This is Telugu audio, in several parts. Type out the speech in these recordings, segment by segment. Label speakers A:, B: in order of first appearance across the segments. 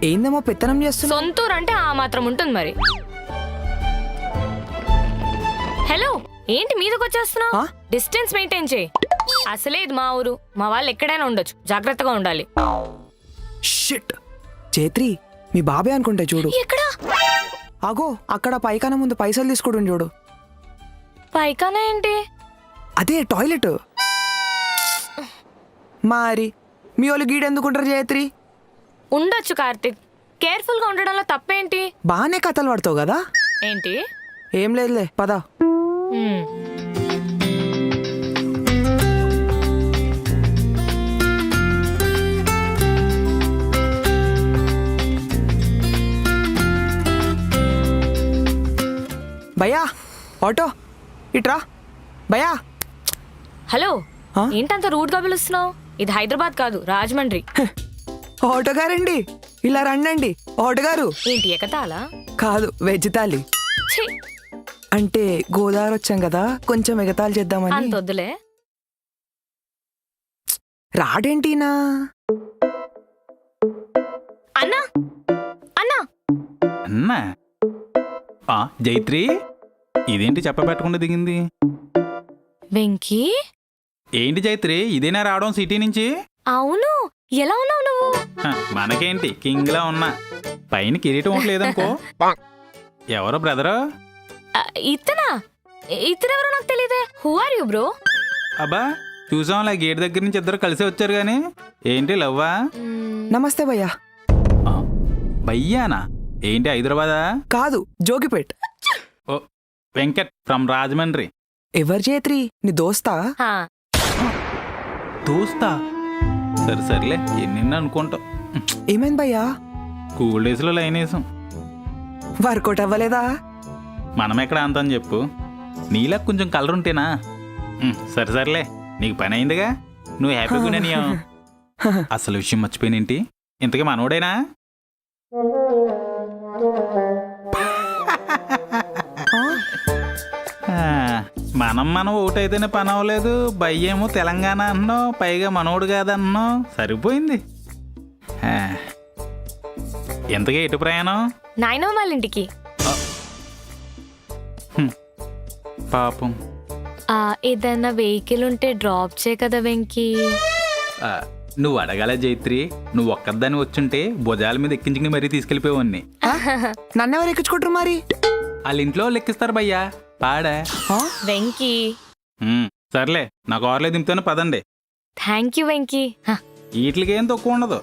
A: ఏందేమో పెత్తనం చేస్తున్నా.
B: సొంతూరు అంటే ఆ మాత్రం ఉంటుంది మరి. హలో, ఏంటి మీదకి వచ్చేస్తున్నావు? డిస్టెన్స్ మెయింటైన్ చేయి. అసలే ఇది మా ఊరు, మా వాళ్ళు ఎక్కడైనా ఉండొచ్చు, జాగ్రత్తగా ఉండాలి.
A: షిట్ చైత్రి, మీ బాబే అనుకుంటే చూడు.
B: ఎక్కడా?
A: అగో అక్కడ పైకాన ముందు పైసలు తీసుకోవడం చూడు.
B: పైకానా ఏంటి?
A: అదే టాయిలెట్. మరి మీ వాళ్ళు గీడెందుకుంటారు చైత్రి?
B: ఉండొచ్చు కార్తిక్, కేర్ఫుల్ గా ఉండడంలో తప్పేంటి?
A: బాగానే కథలు పడతావు కదా.
B: ఏంటి?
A: ఏం లేదులే, పద. భయ్యా ఆటో ఇట్రా. భయ్యా.
B: హలో, ఏంటంత రూడ్ గా పిలుస్తున్నావు? ఇది హైదరాబాద్ కాదు, రాజమండ్రి.
A: ఆటో గారండి, ఇలా రండి. ఆటో గారు.
B: ఏంటి ఎకతాలా?
A: కాదు, వెజ్ తాలి. అంటే గోదావరి వచ్చాం కదా, కొంచెం ఎగతాళి చేద్దామని.
B: అంత వద్దులే.
A: రాడేంటినా?
B: అన్నా అన్నా
C: అన్నా. జైత్రి, ఇదేంటి చెప్పబెట్టకుండా దిగింది?
B: వెంకీ.
C: ఏంటి జైత్రి, ఇదేనా రావడం సిటీ నుంచి?
B: అవును, ఎలా ఉన్నావు నువ్వు?
C: మనకేంటి, కింగ్ లా ఉన్నా. పైన కిరీటం లేదనుకో. ఎవరో బ్రదరు?
B: ఇతనెవరో నాకు తెలియదే. Who are you bro?
C: అబ్బా, చూసాంలే గేట్ దగ్గర నుంచి ఇద్దరు కలిసి వచ్చారు గాని. ఏంటి లవ్వా?
A: నమస్తే భయ్యా.
C: భయ్యానా? ఏంటి హైదరాబాదా?
A: కాదు, జోగిపేట్.
C: ఓ, వెంకట్ ఫ్రమ్ రాజమండ్రి.
A: ఎవరు చైత్రి, నీ దోస్తా?
C: దోస్తా? సరేలే, ఎన్ని అనుకుంటావు.
A: ఏమైంది భయ్యా?
C: స్కూల్ డేస్ లో లైన్ వేసాం.
A: వర్కౌట్ అవ్వలేదా?
C: మనం ఎక్కడ అంతని చెప్పు. నీలా కొంచెం కలర్ ఉంటేనా? సరేలే, నీకు పని అయిందిగా, నువ్వు హ్యాపీగా ఉన్నానియా. అసలు విషయం మర్చిపోయినేంటి, ఇంతకీ మనోడేనా? మనం ఓటైతేనే పని అవ్వలేదు. భయ్యేమో తెలంగాణ అన్నావు, పైగా మనోడు కాదన్నావు. సరిపోయింది. ఎంతగా ఎటు ప్రయాణం?
B: నాయనమ్మ వాళ్ళ ఇంటికి.
C: పాపం.
B: ఏదన్నా వెహికల్ ఉంటే డ్రాప్ చేయ కదా వెంకీ.
C: నువ్వు అడగాల జైత్రి, నువ్వు ఒక్కదాన్ని వచ్చుంటే భుజాల మీద ఎక్కించుకుని మరీ తీసుకెళ్లిపోయాన్ని.
A: నన్నెవరు ఎక్కించుకుంటారు మరి?
C: వాళ్ళ ఇంట్లో లెక్కిస్తారు భయ్యా. పాడా
B: వెంకీ.
C: సర్లే, నా కార్లో దింపుతాను, పదండి.
B: Thank you Venky.
C: వీటికేం తక్కువ ఉండదు.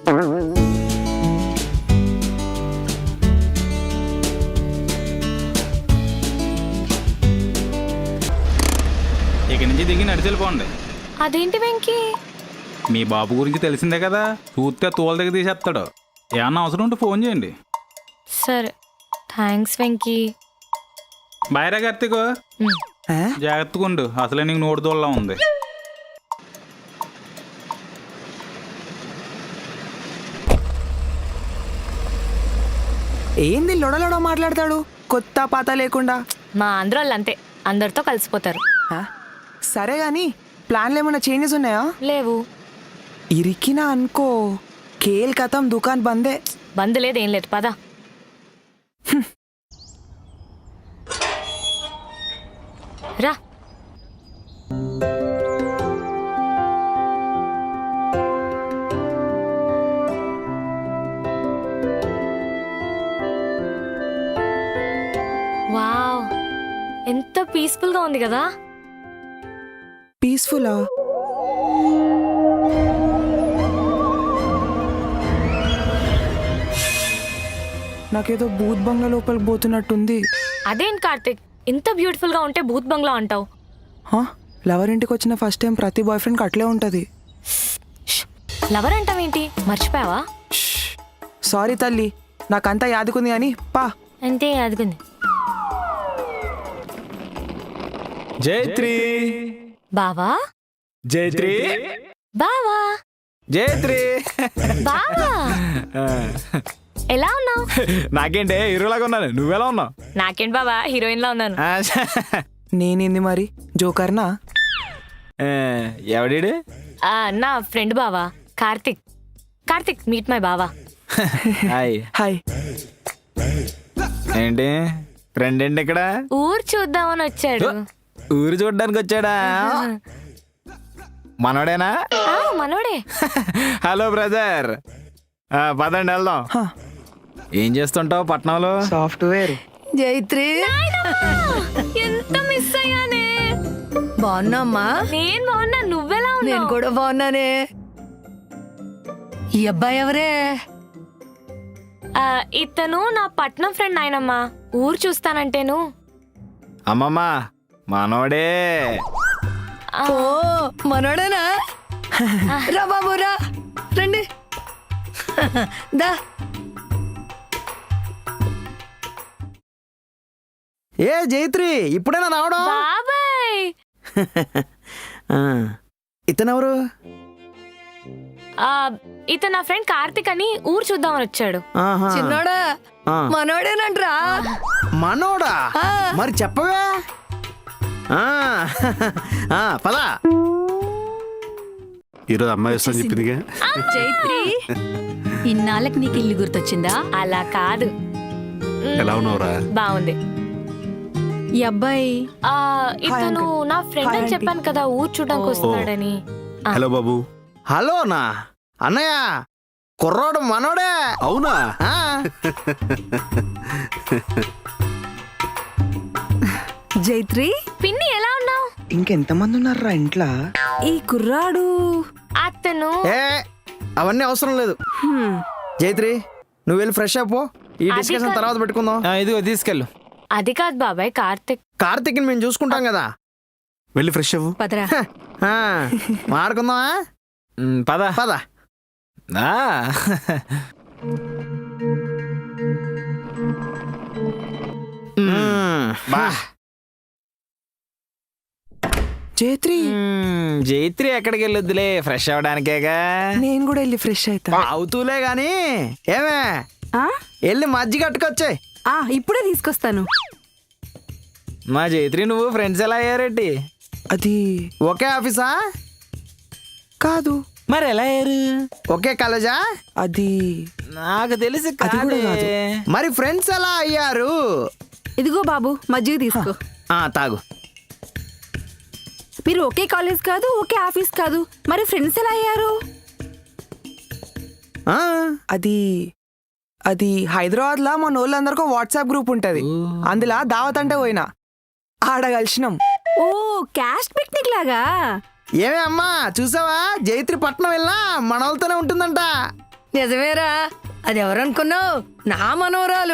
C: ఇక నుంచి దిగి నడిచెళ్ళిపోండి.
B: అదేంటి వెంకీ?
C: మీ బాబు గురించి తెలిసిందే కదా, చూస్తే తోల దగ్గర తీసేస్తాడు. ఏమన్నా అవసరం ఉంటే ఫోన్ చేయండి.
B: సరే, థ్యాంక్స్ వెంకీ.
C: బాయ్రా కార్తీక్, జాగ్రత్తగా ఉండు, అసలే నీకు నోటి దోళ్ళ ఉంది.
A: ఏంది లొడలొడ మాట్లాడతాడు, కొత్త పాత లేకుండా?
B: మా ఆంధ్రాళ్ళు అంతే, అందరితో కలిసిపోతారు.
A: సరే గాని ప్లాన్లు ఏమైనా చేంజెస్ ఉన్నాయా?
B: లేవు.
A: ఇరికినా అనుకో, కేల్ కథం, దుకాన్ బందే.
B: బంద్ లేదు, ఏం లేదు, పద. రా. వావ్, ఎంత పీస్ఫుల్ గా ఉంది కదా.
A: పీస్ఫుల్లా? నాకేదో భూత్ బంగ్లా లోపలికి పోతున్నట్టుంది.
B: అదేంటి కార్తిక్, ఇంత బ్యూటిఫుల్ గా ఉంటే భూత్ బంగ్లా అంటావు?
A: లవర్ ఇంటికి వచ్చిన ఫస్ట్ టైం ప్రతి బాయ్ ఫ్రెండ్కి అట్లే ఉంటుంది.
B: లవర్ అంటావేంటి, మర్చిపోయావా?
A: సారీ తల్లి, నాకంతా యాదుకుంది అని పా.
B: అంతే యాదుకుంది.
C: జైత్రి.
B: బావా.
C: జైత్రి.
B: బావా.
C: జైత్రి.
B: బావా. ఎలా ఉన్నావు?
C: నాకేంటే హీరోలాగా ఉన్నాను, నువ్వెలా ఉన్నావు?
B: నాకేంటి బావా, హీరోయిన్ లా ఉన్నాను.
A: నేనేంది మరి, జోకర్నా?
C: ఎవడీడు?
B: నా ఫ్రెండ్ బావా, కార్తిక్. కార్తిక్, మీట్ మై బావా.
D: హాయ్.
A: హాయ్.
D: ఏంటి ఫ్రెండ్ ఏంటి ఇక్కడ?
B: ఊరు చూద్దామని వచ్చాడు.
D: ఊరు చూడడానికి వచ్చాడా? మనోడేనా?
B: మనోడే.
D: హలో బ్రదర్, పదండి వెళ్దాం.
A: హ,
D: ఏం చేస్తుంటావు పట్నంలో?
A: సాఫ్ట్వేర్.
E: జైత్రి
B: ఎంత మిస్ అయ్యానే.
E: బాగున్నామ్మా?
B: నేను బాగున్నా, నువ్వెలా
E: నేను
B: ఉన్నావు?
E: కూడా బాగున్నానే. ఈ అబ్బాయి ఎవరే?
B: ఇతను నా పట్నం ఫ్రెండ్ నాయనమ్మా. ఊరు చూస్తానంటేను.
D: అమ్మమ్మ మనోడే.
E: ఓ మనోడేనా? రా బాబు రా, రండి. దా.
F: ఏ జైత్రి, ఇప్పుడైనా రావడం?
B: బాబాయ్.
F: ఇతనెవరు?
B: ఇతను నా ఫ్రెండ్ కార్తిక్ అని ఊరు చూద్దామని వచ్చాడు.
F: ఆహా.
E: చిన్నోడా
F: ఆ.
E: మనోడేనంట్రా.
F: మనోడా?
E: ఆ.
F: మరి చెప్పవే. పదా.
G: ఈరోజు అమ్మాయి వస్తాను చెప్పిందిగా.
H: చైత్రి, ఇన్నాళ్ళకి నీకు ఇల్లు గుర్తొచ్చిందా?
B: అలా కాదు.
G: ఎలా ఉన్నావురా?
B: బాగుంది.
H: ఈ అబ్బాయి
B: ఇతను
A: uncle.
B: నా ఫ్రెండ్
A: Hi,
B: అని
A: aunty.
B: చెప్పాను కదా, ఊరు చూడడానికి వస్తున్నాడని.
G: హలో బాబు.
F: హలోనా అన్నయ్య, కుర్రోడు మనోడే.
G: అవునా?
F: ఆ.
H: జైత్రి,
B: పిన్ని ఎలా ఉన్నావు?
A: ఇంకెంతమంది ఉన్నారా ఇంట్లో?
H: ఈ కుర్రాడు
B: అతను
F: ఏ అవన్నీ అవసరం లేదు. జైత్రి, నువ్వు వెళ్ళి ఫ్రెష్ అయిపో. ఈ
B: అది
F: డిస్కషన్
B: కాదు.
F: తర్వాత పెట్టుకుందాం.
D: ఇదిగో తీసుకెళ్ళు.
B: అది కాదు బాబాయ్, కార్తిక్.
F: కార్తీక్ని మేము చూసుకుంటాం కదా.
G: వెళ్ళి ఫ్రెష్ అవ్వు.
H: పదరా.
F: ఆ, మాడుకుందామా?
D: పద
F: పద.
D: ఆ.
F: బా.
A: జైత్రి,
D: జైత్రి ఎక్కడికి వెళ్ళొద్దులే, ఫ్రెష్ అవడానికేగా.
A: నేను కూడా వెళ్ళి ఫ్రెష్ అవుతా.
F: అవుతూలే గాని ఏమే,
H: ఆ?
F: వెళ్ళి మజ్జిగ కట్టుకొచ్చాయి.
H: ఇప్పుడే తీసుకొస్తాను.
D: మా జైత్రి నువ్వు ఫ్రెండ్స్ ఎలా అయ్యారేంటి?
A: అది
F: ఒకే ఆఫీసా?
A: కాదు.
D: మరి ఎలా అయ్యారు?
F: ఒకే కాలేజా?
A: అది
D: నాకు తెలిసి
A: అది కూడా కాదు.
D: కాదే.
F: మరి ఫ్రెండ్స్ ఎలా అయ్యారు?
H: ఇదిగో బాబు, మజ్జిగ తీసుకో.
F: తాగు.
H: మీరు ఒకే కాలేజ్ కాదు, ఒకే ఆఫీస్ కాదు, మరి ఫ్రెండ్స్ ఎలా అయ్యారు?
F: ఆ,
A: అది అది హైదరాబాద్ లో మన వాళ్ళందరికీ వాట్సాప్ గ్రూప్ ఉంటది. అందులో దావత్ అంటే పోయినా ఆడ కలిసినాం.
H: ఓ, క్యాస్ట్ పిక్నిక్ లాగా.
F: ఏమే అమ్మా, చూసావా? జైత్రి పట్నం వెళ్ళా మనోళ్ళతోనే ఉంటుందంట.
E: నిజమేరా, అది ఎవరనుకున్నావు? నా మనోరాలు.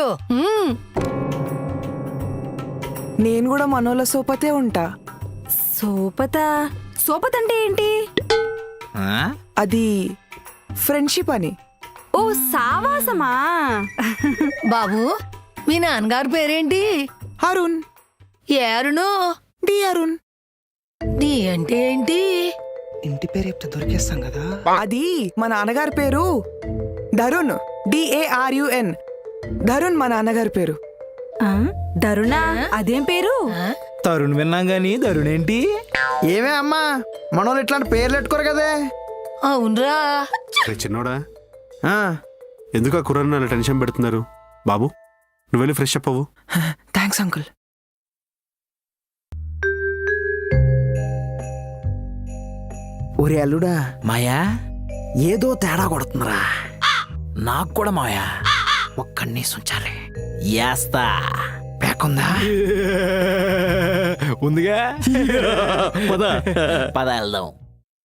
A: నేను కూడా మనోళ్ళ సోపతే ఉంటా.
H: సోపత? సోపత అంటే ఏంటి?
D: ఆ?
A: అది ఫ్రెండ్షిప్ అని.
H: ఓ, సావాసమా?
E: బాబు, మీ నాన్నగారి పేరేంటి?
A: అరుణ్.
E: ఏ అరుణు?
A: డి అరుణ్.
E: నీ అంటే ఏంటి?
A: ఇంటి పేరు చెప్తే దొరికేస్తాం కదా. అది మా నాన్నగారి పేరు ధరుణ్. DARUN. ధరుణ్ మా నాన్నగారి పేరు.
H: ఆ, దరుణా? అదేం పేరు?
D: తరుణ్ విన్నాం గాని ధరుణ్ ఏంటి?
F: ఏమే అమ్మా, మనోళ్ళు ఇట్లాంటి పేర్లు పెట్టుకోరు కదే.
E: అవునరా.
G: రే చిన్నోడా,
F: ఆ,
G: ఎందుకు ఆ కుర్రాన్ని అలా టెన్షన్ పెడుతున్నారు? బాబు నువ్వు వెళ్ళి ఫ్రెష్ అప్ అవ్వు.
A: Thanks uncle.
F: ఒరే అల్లుడా,
D: మాయా,
F: ఏదో తేడా కొడుతుందిరా.
D: నాకు కూడా మాయా.
F: ఒక్కడిని ఉంచాలి.
D: యాస్తా.
F: పేకుందా?
D: ఉందిగా.
G: పద.
D: పద వెళ్దాం.